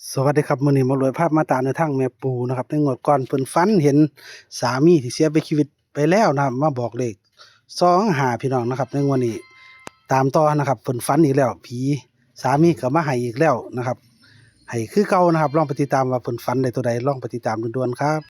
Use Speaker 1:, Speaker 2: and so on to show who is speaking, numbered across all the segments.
Speaker 1: สวัสดีครับมื้อนี้หมารวยภาพมาตามในวทางแม่ปูนะครับในงวดก่อนเพิ่นฝันเห็นสามีที่เสียไปชีวิตไปแล้วนะครับมาบอกเลข25พี่น้องนะครับในงวดนี้ตามต่อนะครับเพิ่นฝันอีกแล้วผีสามีก็มาให้อีกแล้วนะครับให้คือเก่านะครับลองไปติดตามว่าเพิ่นฝันได้ตัวใดลองไปติดตามด่วนๆครับ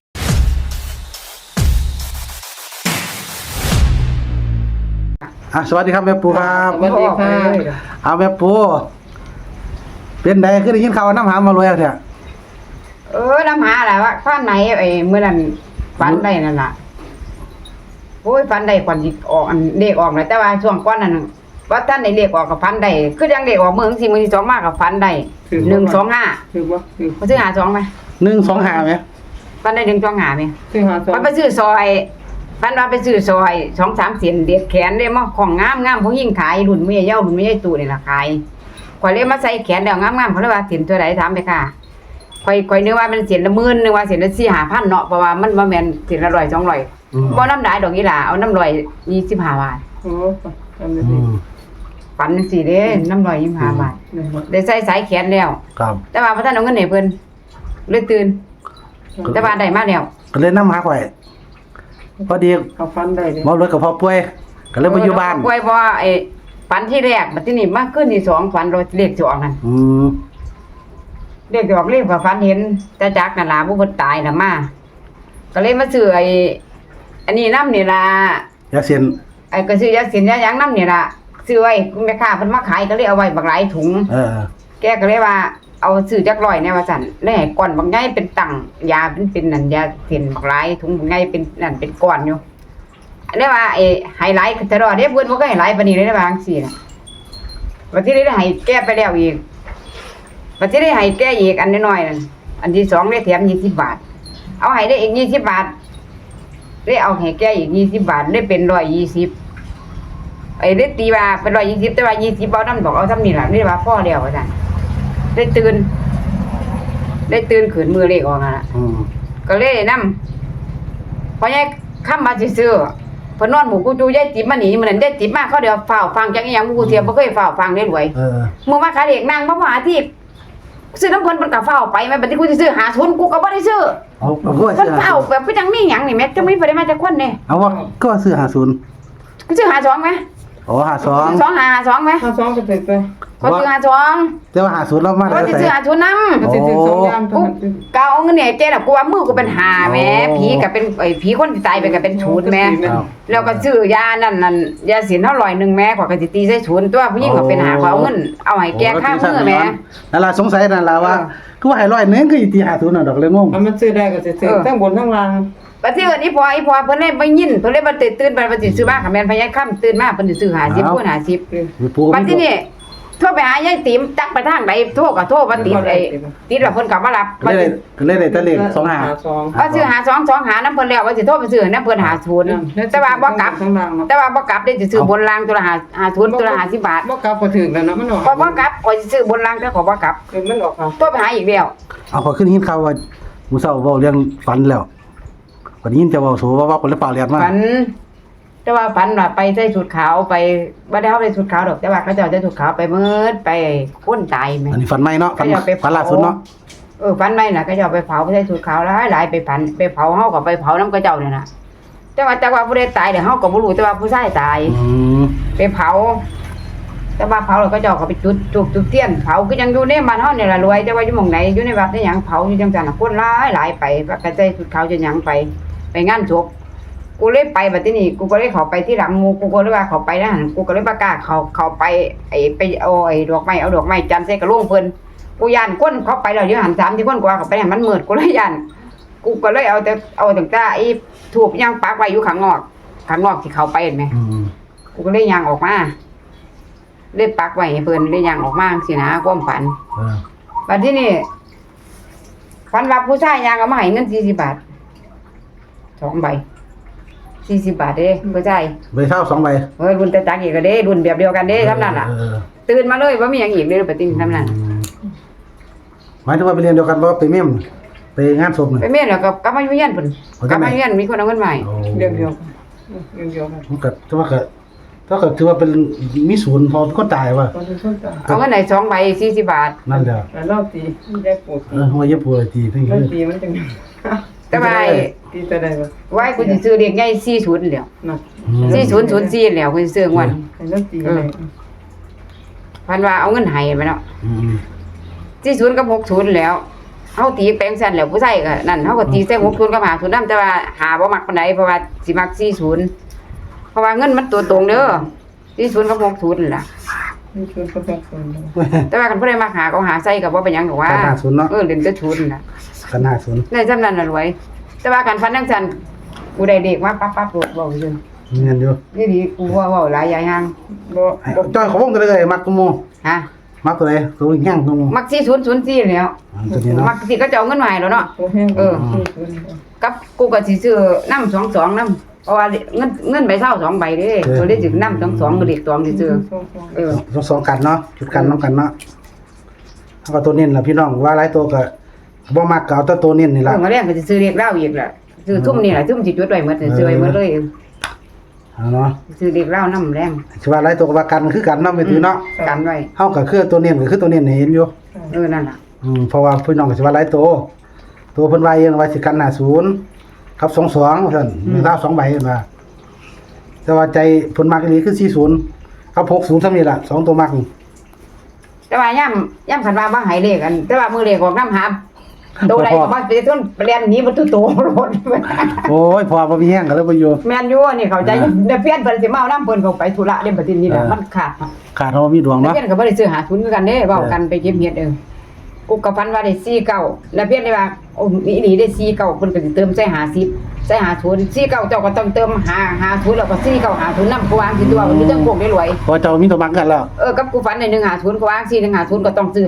Speaker 1: สวัสดีครับแม่ปูครับ
Speaker 2: สวัสดีค่ะ
Speaker 1: เอาแม่ปูเป็นไดคือได้ยินข่าวว่าน้ำหามารวยแล้วแท้
Speaker 2: น้ำหาอะไรวะฟันไหนเมื่อนั้นฟันได้นั่นล่ะโอ้ยฟันได้ก่อนสิออกอันเลขออกเลยแต่ว่าช่วงก่อนนั้นว่าท่านได้เลขออกกับฟันได้คือยังเลขออกมื้อที่มื้อที่2มากกับฟันได้125
Speaker 3: ถือว่าถือ
Speaker 2: บ่ซื้อ52มั้ย
Speaker 1: 125มั้ย
Speaker 2: ฟันได้125มั้ย
Speaker 3: ถือหาสอง
Speaker 2: มันไปซื้อซอยฟันว่าไปซื้อซอย2-3เส้นเด็ดแขนได้มาของงามๆผู้หญิงขายรุ่นแม่เย้ารุ่นแม่ใหญ่ตู่นี่ล่ะขายข่อยเลยมาใส่แขนแล้วงามๆเขาเลยว่าสินตัวใดถามไปค่ะข่อยนึกว่ามันเสียนละ10,000นึกว่าเสียนละ4-5,000เนาะเพราะว่ามันบ่แม่นเสียนละ100 200บ่น้ำหลายดอกอีหล่าเอาน้ำ125 บาท
Speaker 3: โอ้ทำได้
Speaker 1: อื
Speaker 3: ดี
Speaker 1: ม
Speaker 2: ปันจังซี่เด้น้ำ125 บาทได้ใส่สายแขนแล้ว
Speaker 1: ครับ
Speaker 2: แต่ว่าบ่ทันเอาเงินให้เพิ่นเลยตื่นแต่ว่าได้มาแล้ว
Speaker 1: ก็เลยนำหาข่อยพอดี
Speaker 3: เอาฟันได้เลย
Speaker 1: หมารวยกับพ่อป่วยก็เลยมาอยู่บ้าน
Speaker 2: ป่วยบ่ฝันที่แรกบัดทีนี้มาขึ้นที่2ฝันรถเลขสิออกนั่น
Speaker 1: อืม
Speaker 2: เลขสิออกเลขก็ฝันเห็นแต่จักนั่นล่ะผู้เพิ่นตายน่ะมาก็เลยมาซื้ออันนี้นำนี่ล่ะ
Speaker 1: อยากเสียน
Speaker 2: ก็ซื้อยาสินยาหยังนำนี่ล่ะซื้อไว้แม่ค้าเพิ่นมาขายก็เลยเอาไว้บักหลายถุง
Speaker 1: เออ
Speaker 2: แกก็เลยว่าเอาซื้อจักร้อยแน่ว่าซั่นแล้วให้ก้อนบักใหญ่เป็นตังยาเป็นนั่นยาเส้นบักหลายถุงบักใหญ่เป็นนั่นเป็นก้อนอยู่อันนี้ว่าไฮไลท์ตลอดเด้เพิ่นบ่เคยให้หลายปานนี้เลยนะว่าจังซี่น่ะบัดทีนี้ได้ให้แก้ไปแล้วอีกบัดทีนี้ให้แก้อีกอันน้อยๆนั่นอันที่2ได้แถม20 บาทเอาให้ได้อีก20 บาทได้เอาให้แก้อีก20 บาทได้เป็น120ได้ตีว่าเป็น120แต่ว่า20เอานำบอกเอาซ้ำนี่ล่ะนี่ว่าพอแล้วว่าซั่นได้ตื่นขึ้นมือเลขออกนั่นล่ะ
Speaker 1: อืม
Speaker 2: ก็เลยนำพอยายค้ำมาซื่อๆเพิ่นนอนหมู่กูจูยายติ๋มมาหนีมื้อนั้นยายติ๋มมาเขาเดี๋ยวเฝ้าฟังจังอีหยังกูเทียบ่เคยเฝ้าฟังได้รวย
Speaker 1: เออ
Speaker 2: มื้อมาขายเด็กนางบ่มาที่ซื้อน้ำเพิ่นก็เฝ้าไปแม่บัดนี้กูสิซื้อ50กูก็บ่ได้ซื้อ
Speaker 1: เอาก็ว่า
Speaker 2: เพิ่น
Speaker 1: ซื้อ
Speaker 2: เฝ้าแบบคือจังมีหยังนี่แม่จังมีบ่ได้มาจากคนนี่
Speaker 1: เอาว่าก็ซื้อ50
Speaker 2: กูซื้อ52มั้ย
Speaker 1: โอ้52
Speaker 2: 52มั้ย
Speaker 3: หาสองก็ติดไป
Speaker 2: ก็ซื้อ52
Speaker 1: แต่ว่า50เรามา
Speaker 2: ก็
Speaker 1: ได้
Speaker 2: สิ
Speaker 1: ใส่
Speaker 2: ซื้อ50นำ
Speaker 3: ก็ติดถึงสองยาม
Speaker 2: กูก็เอาเงินเนี่ยเจ๊น่ะกูว่ามือกูเป็น5แหม่ผีก็เป็นผีคนที่ตายไปก็เป็นศูนย์แหม่ แล้วก็ซื้อยานั่นยาสินเท่า100แม่ขอยก็สิตีใส่ศูนย์ตัวผู้หญิงก็เป็นหาขอเอาเงินเอาให้แก้ค่ามือแม่
Speaker 1: นั่นล่ะสงสัยนั่นล่ะว่าคือว่าให้100นึงคือตี50น่ะดอกเลยงง
Speaker 3: มันซื้อได้ก็จะซื้อทั้งบนทั้งล่าง
Speaker 2: บัดที่เอิ้นอีพอเพิ่นเลยบ่ยินเพิ่นเลยบ่ตื่นไปว่าสิซื้อมาค่ะแม่นพยายค่ำตื่นมาเพิ่นสิซื้อ50คูณ50
Speaker 1: มีปู
Speaker 2: บัดที่นี่โทรไปหายายติ๋มจักไปทางใดโทรก็โทรบ่ติดติดแล้วเพิ่นก็บ่รับ
Speaker 1: ก็เลยได้แต่เลข
Speaker 3: สอง
Speaker 1: 25
Speaker 2: ว่าซื้อ52 2หานำเพิ่นแล้วว่าสิโทรไปซื้อนำเพิ่น50แต่ว่าบ่กลับ
Speaker 3: ทั้งล่างเนาะ
Speaker 2: แต่ว่าบ่กลับได้สิซื้อบนรางตัวละ50ตัวละ50 บาท
Speaker 3: บ่กลับก็ถึงแล้วเนาะมันออก
Speaker 2: ก็บ่กลับก็สิซื้อบนรางแต่ขอบ่กลับ
Speaker 3: มันออกค่ะ
Speaker 2: โทรไปหาอีกแล้ว
Speaker 1: เอาขอขึ้นหินข่าวว่ามื้อเช้าเว้าเรื่องฝันแล้วก็ได้ยินแต่เว้าโสว่าคนละเปล่าเรียนมา
Speaker 2: ฝันแต่ว่าฝันว่าไปใส่ชุดขาวไปบ่ได้เฮาใส่ชุดขาวดอกแต่ว่าเขาเจ้าใส่ชุดขาวไปมืดไปคนตายแม่
Speaker 1: อันนี้ฝันใหม่เนาะฝันล่าสุดเนาะ
Speaker 2: ฝันไม่น่ะเขาเจ้าไปเผาไปใส่ชุดขาวหลายไปฝันไปเผาเฮาก็ไปเผานํเขาเจ้าเนี่ยน่ะแต่ว่าผู้ใดตายเดี๋ยวเฮาก็บ่รู้แต่ว่าผู้ชายตาย
Speaker 1: อืม
Speaker 2: ไปเผา แต่ว่าเผาแล้วเขาเจ้าก็ไปจุดเทียนเผาคือยังอยู่ในบ้านเฮานี่ล่ะรวยแต่ว่าอยู่หม่องไหนอยู่ในวัดได้หยังเผาอยู่จังซั่นน่ะคนหลายไปก็ใส่ชุดขาวจะหยังไปงานศพกูเลยไปบัดนี้กูก็เลยเข้าไปที่หลังหมู่กูก็เลยว่าเข้าไปนะหั่นกูก็เลยบ่กล้าเข้าไปไปเอาดอกไม้จันทร์ใส่กระโหลกเพิ่นกูย่านคนเข้าไปแล้วอยู่หัน3ที่คนกว่าเข้าไปให้มันมืดกูเลยย่านกูก็เลยเอาตั้งแต่ไอ้ทูบย่างปักไว้อยู่ข้างนอกที่เข้าไปเห็นมั้ย
Speaker 1: อืม
Speaker 2: กูก็เลยย่างออกมาเลยปักไว้ให้เพิ่นเลยย่างออกมาจังซี่นะความฝัน
Speaker 1: เออ
Speaker 2: บัดนี้นี่ฝันว่าผู้ชายย่างเอามาให้เงิน40 บาท2ใบ40 บาทเด้ผู้ชาย
Speaker 1: ใบเท่า2ใบ
Speaker 2: เฮ้ยรุ่นแต่จักอีกก็เด้รุ่นแบบเดียวกันเด้ทำนั่นล่ะ
Speaker 1: เออ
Speaker 2: ตื่นมาเลยบ่มีหยังอีกเลยปะติทำนั่น
Speaker 1: หมายถึงว่าไปเรียนเดียวกันบ่ไปเม่มไปงานศพนี่
Speaker 2: ไปเมียนแล้วก็กลับมาอยู่เฮียนพุ่น
Speaker 1: เอา
Speaker 2: ก
Speaker 1: จั
Speaker 2: ลั
Speaker 1: ง
Speaker 2: บ
Speaker 1: ไหน
Speaker 2: มาเฮียนมีคนเอาเงินมาให้
Speaker 1: โอ้
Speaker 3: เดียวกัน
Speaker 1: มันก็แต่ว่าก็แต่ก็ถือว่าเป็นมีศูนย์พอก็ตายว่ะ
Speaker 3: ตอนที่คนตาย
Speaker 2: เอาเงินไหน2ใบ40บาท
Speaker 1: นั่นแหละ
Speaker 3: แล้วรอบตีได้ปวด
Speaker 1: ว่าอย่าปวดทีทั้ง
Speaker 3: รอบ
Speaker 1: นี้
Speaker 3: ตีมันจัง
Speaker 2: แต่ว่า
Speaker 3: ตีแต่ใดวะ
Speaker 2: ไว้กูสิซื้อเลขใหญ่40แล้ว
Speaker 3: น่ะ
Speaker 2: 4004แล้วกูสิซื้องวด
Speaker 3: ให้รอบตีอะไร
Speaker 2: พันว่าเอาเงินให้ไปเนาะ 40กับ60แล้วเฮาตีแปลงสั้นแล้วผู้ชายก็นั่นเฮาก็ตีใส่60กับ50นำแต่ว่าหาบ่มักปานใดเพราะว่าสิมัก40เพราะว่าเงินมันตัวตรงเด้อ40กับ60นั่นล่ะ
Speaker 3: นี่ชวนก็แบบคน
Speaker 2: แต่ว่าคันผู้ใดมาหาก็หาใส่ก็บ่เป็นหยังดอกว่า
Speaker 1: กันหาศูนย์เนาะ
Speaker 2: เล่นแต่ชุนน่ะ
Speaker 1: กันหาศูนย์
Speaker 2: ในจำนั้นน่ะรวย แต่ว่าการฟันจังซั่นกูได้เด็กมาปั๊บๆโลดเว้าซื่อ
Speaker 1: เงินอยู่
Speaker 2: นี่ดีกูว่าเว้าหลายอย่าง
Speaker 3: บ่
Speaker 1: จ้อยเขาวงกันเลยมักกโม
Speaker 2: ฮะ
Speaker 1: มักตัวไหนตัวแห้งกโม
Speaker 2: มัก4004แล้ว
Speaker 1: ตัวนี้เนาะ
Speaker 2: มักสิก็จะเอาเงินมาให้แล้วเนาะ
Speaker 3: ตัวแห้ง
Speaker 2: กับกูก็สิซื้อนำ22นำเพราะว่าเงินใบเช่า2ใบเด้ตัวได้สินำ22ก็เด็กตองสิซื้อเออ
Speaker 1: สองกันเนาะจุดกันน้องกันเนาะถ้าก็ตัวเน้นล่ะพี่น้องว่าหลายตัวก็บ่มักก็เอาแต่ตัวเน้นนี่
Speaker 2: เอ
Speaker 1: ล่ะ
Speaker 2: อมาแรงก็สิซื้อเด็กเหล้าอีกล่ะซื้อทุ่มนี่ล่ะทุ่มสิจุดไว้หมดซื้อไว้หมดเลย
Speaker 1: เอาเนาะ
Speaker 2: ซื้อเด็กเหล้านำแรง
Speaker 1: สิว่าหลายตัวก็ว่ากันคือกันเนาะไปถือเนาะ
Speaker 2: กันไว้
Speaker 1: เฮาก็คือตัวเน้นก็คือตัวเน้นให้เห็นอยู่
Speaker 2: นั่นล่ะ
Speaker 1: เพราะว่าพี่น้องก็สิว่าหลายตัวเพิ่นว่าเองว่าสิกัน50กับ22ว่าซั่นมีดาว2ใบเห็นว่าแต่ว่าใจเพิ่นมักอีหลีคือ40กับ60ซั่นนี่ล่ะ2ตัวมักนี่
Speaker 2: แต่ว่าย่ำขันว่าบ่ใหายเลขกัน แต่ว่ามือเลขออกน้ำหาโตใดก็มาเป็นต้นเรียนหนี้มันตุโตรถ
Speaker 1: โอ้ยพอบ่มีแห้งก็เลยบ่อยู่
Speaker 2: แม่นอยู่นี่เข้าใจเดี๋ยวเพี้ยนเพิ่นสิมาเอาน้ำเพิ่นเข้าไปธุระเรื่องประเด็นนี้น่ะมันขาด
Speaker 1: ขาดเฮามีดวง
Speaker 2: แล้ว
Speaker 1: เนาะ
Speaker 2: เพี้ยนก็บ่ได้ซื้อหาทุนคือกันเด้เว้ากันไปเก็บเฮ็ดกูก็พันว่าได้49แล้วเพี้ยนได้ว่าโอ้มีนี่ได้49เพิ่นก็สิเติมใส่50ใส่50 49เจ้าก็ต้องเติม50แล้วก็49 50นำกูวางสิตัวมันมีทั้งพวกได้รวย
Speaker 1: พอเจ้ามีตัวมักกันแล้ว
Speaker 2: กับกูฝันใน150ก็วาง4 150ก็ต้องซื้อ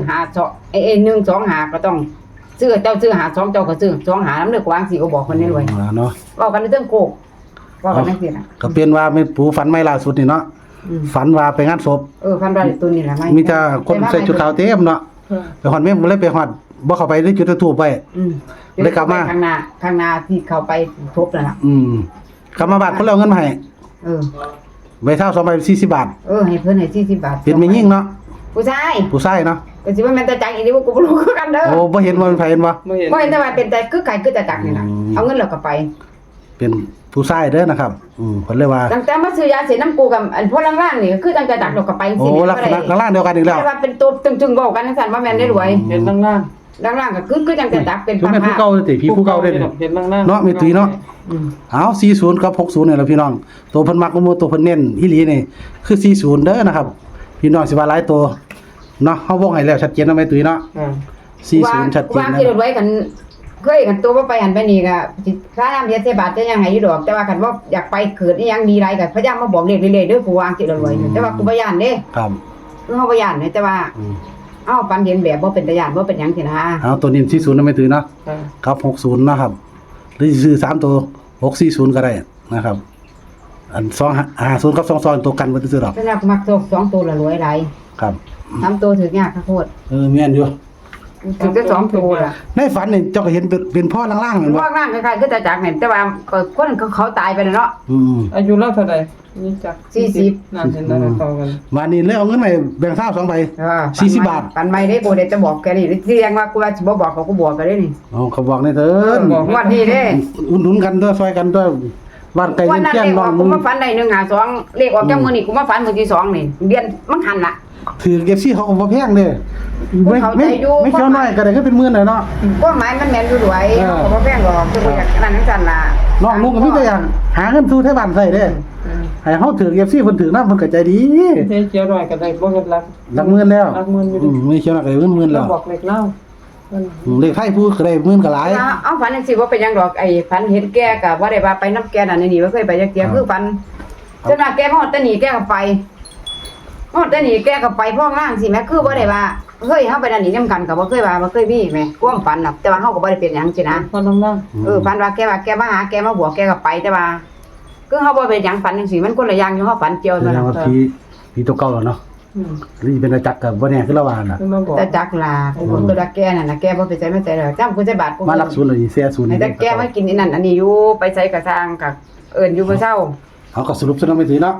Speaker 2: 125ก็ต้องซื้อเจ้าซื้อ52เจ้าก็ซื้อ25นำเด้อก็วาง4ก็บอกเพิ่นได้รวย
Speaker 1: เนาะ
Speaker 2: เว้ากันในเรื่องโกกเว้ากันจังซี่น่ะ
Speaker 1: ก็เป็นว่าแม่ปู่ฝันไม่ล่าสุดนี่เนาะฝันว่าไปงานศพ
Speaker 2: พันว่าตัวนี้ล่ะ
Speaker 1: มีแต่คนใส่ชุดขาวเต็มเนาะไปฮอดแม่บ่เลยไปฮอดบ่เข้าไปได้จุดทูบไป เลยกลับมา
Speaker 2: ข้างหน้าที่เข้าไปทบนั่นล่ะ
Speaker 1: กลับมาบ้านเพิ่นเอาเงินมาให้
Speaker 2: เออ
Speaker 1: ใบเท่า2ใบ40บาท
Speaker 2: ให้เพิ่นให้40บาท
Speaker 1: เป็นแม่ยิ่งเนาะ
Speaker 2: ผู้ชาย
Speaker 1: ผู้ชายเนาะ
Speaker 2: ก็สิว่าแม่นตาจักอีนี่บ่กูบ่รู้คือกันเด้อ
Speaker 1: โอ้บ่เห็นว่าเป็นไผเห็นบ่
Speaker 3: ไม่เห็น
Speaker 2: บ่เห็นแต่ว่าเป็นแต่คือไก่คือตาจักนี่ล่ะเอาเงินแล้วก็ไป
Speaker 1: เป็นผู้ชายเด้อนะครับเพิ่นเลยว่า
Speaker 2: ตั้งแต่มาซื้อยาเสพน้ำกูกับอันพวกล่างๆนี่คือตั้งแต่จักแล้วก็ไปจัง
Speaker 1: โอ้
Speaker 2: ซี่
Speaker 1: ลักษณะข้างล่างเดียวกันอีกแล้ว
Speaker 2: แต่ว่าเป็นตัวจึงๆเว้ากันจังซั่นว่าแม่นได้รวย
Speaker 3: เห็นล่าง
Speaker 2: ล่างๆก็คือจังแต่จักเป็น
Speaker 1: คือแม่นผู้เก่าติพี่ผู้เก่าเด้อ
Speaker 3: เห็นล่าง
Speaker 1: เนาะมีตุยเนาะเอา40กับ60นี่แหละพี่น้องตัวเพิ่นมักบ่ตัวเพิ่นเน้นอีหลีนี่คือ40เด้อนะครับพี่น้องสิว่าหลายตัวเนาะเฮาวงให้แล้วชัดเจนเนาะแม่ตุยเนาะ40ชัดเจน
Speaker 2: ว่า
Speaker 1: นะ
Speaker 2: ที่รวยกันเคยกันตัวบ่ไปหันไปนี่ก็สิค่าน้ำเสียเทบาทจะยังให้อยู่ดอกแต่ว่าคันว่าอยากไปเกิดอีหยังดีไรก็พยายามมาบอกเลขเรื่อยๆเด้อกูวางสิรวยแต่ว่ากูบ่ย่านเด้
Speaker 1: ครับ
Speaker 2: คือเฮาบ่ย่านแต่ว่าเอ้าปันเห็นแบบบ่เป็นตาย่านบ่เป็นหยังสินะ
Speaker 1: เอาตัวนี้40นะแม่ตุยเนาะครับ60นะครับหรือซื้อ3ตัว640ก็ได้นะครับ อัน250กับ22ตัวกันบ่ซื้อดอก
Speaker 2: สำหรับมักสองตัวละรวยหลาย
Speaker 1: ครับ
Speaker 2: 3ตัวถึกยากค่ะโคตร
Speaker 1: แม่นอยู่
Speaker 2: ถึงจะ2ตัวล่ะ
Speaker 1: ในฝันนี่เจ้าก็เห็นเป็นพ่อล่างๆแม่นบ่
Speaker 2: ว่าร่างคล้ายๆคือตาจักนี่แต่ว่าคนเขาตายไปแล้วเนาะ
Speaker 3: อายุเราเท่าใดนี่จักนั่นเห็นแล้วต่อกัน
Speaker 1: วันนี้เลยเอาเงินไปแบ่งข้าว2ใบ 40บาท
Speaker 2: ปันไม่ได้กูเดี๋ยวจะบอกแกนี่เสียงว่ากูว่าสิบ่บอกเขากูบอกกันได้นี่
Speaker 1: เอาเขาบอกในเถิน
Speaker 2: วันนี้เด้
Speaker 1: อุ่นหนุนกันด้วยซอยกันด้วยบ้านไกล
Speaker 2: วัน
Speaker 1: เงิน
Speaker 2: นั้น
Speaker 1: เที่ยง
Speaker 2: เลข
Speaker 1: น้
Speaker 2: อ
Speaker 1: อ
Speaker 2: อง กกูมาฝันได้152เลขออกจากมื้อนี้กูมาฝันมื้อที่2นี่เดือนมันหันล่ะ
Speaker 1: ถือเก็บซี่เขาก็บ่แพงเด้ไม่
Speaker 2: เข้าใจอยู่
Speaker 1: ไม่เคี้ยวน้อยก็ได้ก็เป็นหมื่นเลยเนาะ
Speaker 2: กฎหมายมันแม่นอยู่ด้วยเขาก็บ่แพงหรอกคือบ่อยากนั่นจังซั่นล่ะ
Speaker 1: น้องลุงก็มีแต่อย่างหาเงินสู่ไทบ้านใส่เด้ให้เฮาถือเก็บซี่เพิ่นถือนำเพิ่นก็ใจดี
Speaker 3: เจ๊เจียวหน่อยก็ได้บ่เฮ็ดรัก
Speaker 1: หลักหมื่นแล้ว
Speaker 3: รักหมื่นอยู่ดิ
Speaker 1: ไม่เคี้ยวน้อยก็ได้หมื่น
Speaker 3: เรา
Speaker 1: แล้ว
Speaker 3: บอกเล็กเล่า
Speaker 1: เลขไทยผู้ก็ได้หมื่นก็หลาย
Speaker 2: เอาฝันจังซี่บ่เป็นหยังดอกไอ้ฝันเห็นแกก็บ่ได้ว่าไปนำแกนั่นนี่บ่เคยไปจักเที่ยคือฝันจนว่าแกมาฮอดตะนี่แกก็ไปฮอดตะนี่แกก็ไปพ้องล่างสิแม่คือบ่ได้ว่าเฮ้ยเฮาไปนั่นนี่นำกันก็บ่เคยว่าบ่เคยมีแม่ความฝันน่ะแต่ว่าเฮาก็บ่ได้เป็นหยังสินะ
Speaker 3: พอล่าง
Speaker 2: ฝันว่าแกมาหาแกมาบวกแกก็ไปแต่ว่าคือเฮาบ่เป็นหยังฝันจังซี่มันคนละอย่างอยู่เฮาฝันเกี่ยว
Speaker 1: แส
Speaker 2: นั่น
Speaker 1: ดง
Speaker 2: น่ะ
Speaker 1: ว่าผีตัวเก่าแล้วเนาะหรือเป็นอาจักรก็บ่แน่คือละว่าน่ะ
Speaker 3: คือมาบอก
Speaker 2: แต่จักลาคนตัวละแกนั่นน่ะแกบ่ไปใส่ไม่ใส่แล้วจำกูใส่บาทกู
Speaker 1: มารักศูนย์เลยเสียศูนย์
Speaker 2: แต่แกมากินอันนั้นอันนี้อยู่ไปใส่กระทางกับเอิ้นอยู่มื้อเช้า
Speaker 1: เขาก็สรุปซะเนาะไม่ถือเนาะ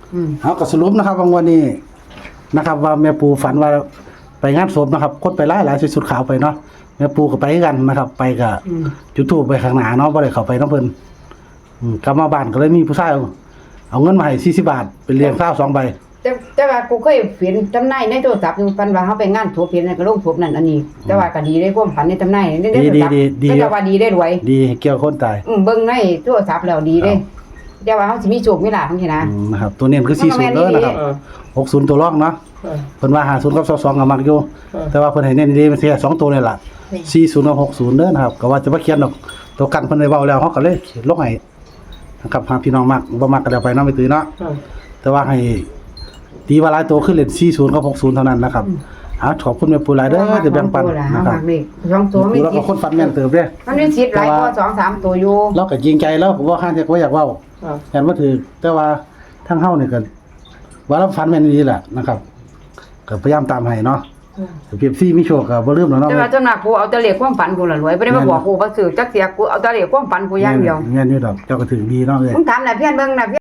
Speaker 1: เอาก็สรุปนะครับว่าวันนี้นะครับว่าแม่ปูฝันว่าไปงานศพนะครับคนไปหลายสุดขาวไปเนาะแม่ปูก็ไปกันนะครับ ไปกับจุดธูปไปข้างหน้าเนาะบ่ได้เข้าไปน้ำเพิ่นกลับมาบ้านก็เลยมีผู้ชายเอาเงินมาให้40 บาทเป็นเลี้ยงข้าว2 ใบ
Speaker 2: แต่ว่ากูเคยเห็นจำนายในโทรศัพท์อยู่ปันว่าเฮาไปงานถูกเห็นก็ลงถูกนั่นอันนี้แต่ว่าก็ดีได้ความฝันในจำนายในโทรศัพท์แต่ว่าดีได้รวย
Speaker 1: ดีเกี่ยวคนตาย
Speaker 2: เบิ่งในโทรศัพท์แล้วดีเด้แต่ว่าเฮาสิมีโชคมีลาภจังซี่นะ
Speaker 1: นะครับตัวเน้นคือ40เด้อนะครับ60ตัวรองเนาะเพิ่นว่า50กับ22ก็มักอยู่แต่ว่าเพิ่นให้เน้นดีมันสิ2ตัวนี่ล่ะ40กับ60เด้อนะครับก็ว่าจะบ่เขียนดอกตัวกันเพิ่นได้เว้าแล้วเฮาก็เลยลงให้นะครับหาพี่น้องมักบ่มักก็แล้วไปเนาะไม่ตื้อเนาะแต่ว่าให้ตีว่าหลายตัวขึ้นเล่น40กับ60เท่านั้นนะครับขอบคุณแม่ปูหลายเด้อที่แบ่งปันนะครับ
Speaker 2: 2ตัวมี
Speaker 1: แล้วก็คนฝันแม่นเติบเด้
Speaker 2: มันมีสิทธิ์หลายกว่า2-3ตัวอยู่
Speaker 1: เราก็จริงใจแล้วผมว่าข้างที่ก็อยากเว้าแม่นบ่ถือแต่ว่าทางเฮานี่ก็ว่าเราฝันแม่นดีแหละนะครับก็พยายามตามให้เนาะเปรียบซี่มีโชคก็บ่ลืมแล้วเนาะ
Speaker 2: แต่ว่าจำนักกูเอาแต่เลขความฝันกูละรวยบ่ได้มาบอกกูว่าซื้อจักเสียกูเอาแต่เลขความฝันกูอย่างเดียว
Speaker 1: แม่นอยู่ดอกเจ้าก็ถึงดีเนาะเอ้ย
Speaker 2: มึงถามน่ะเพี้ยนเบิ่งน่ะ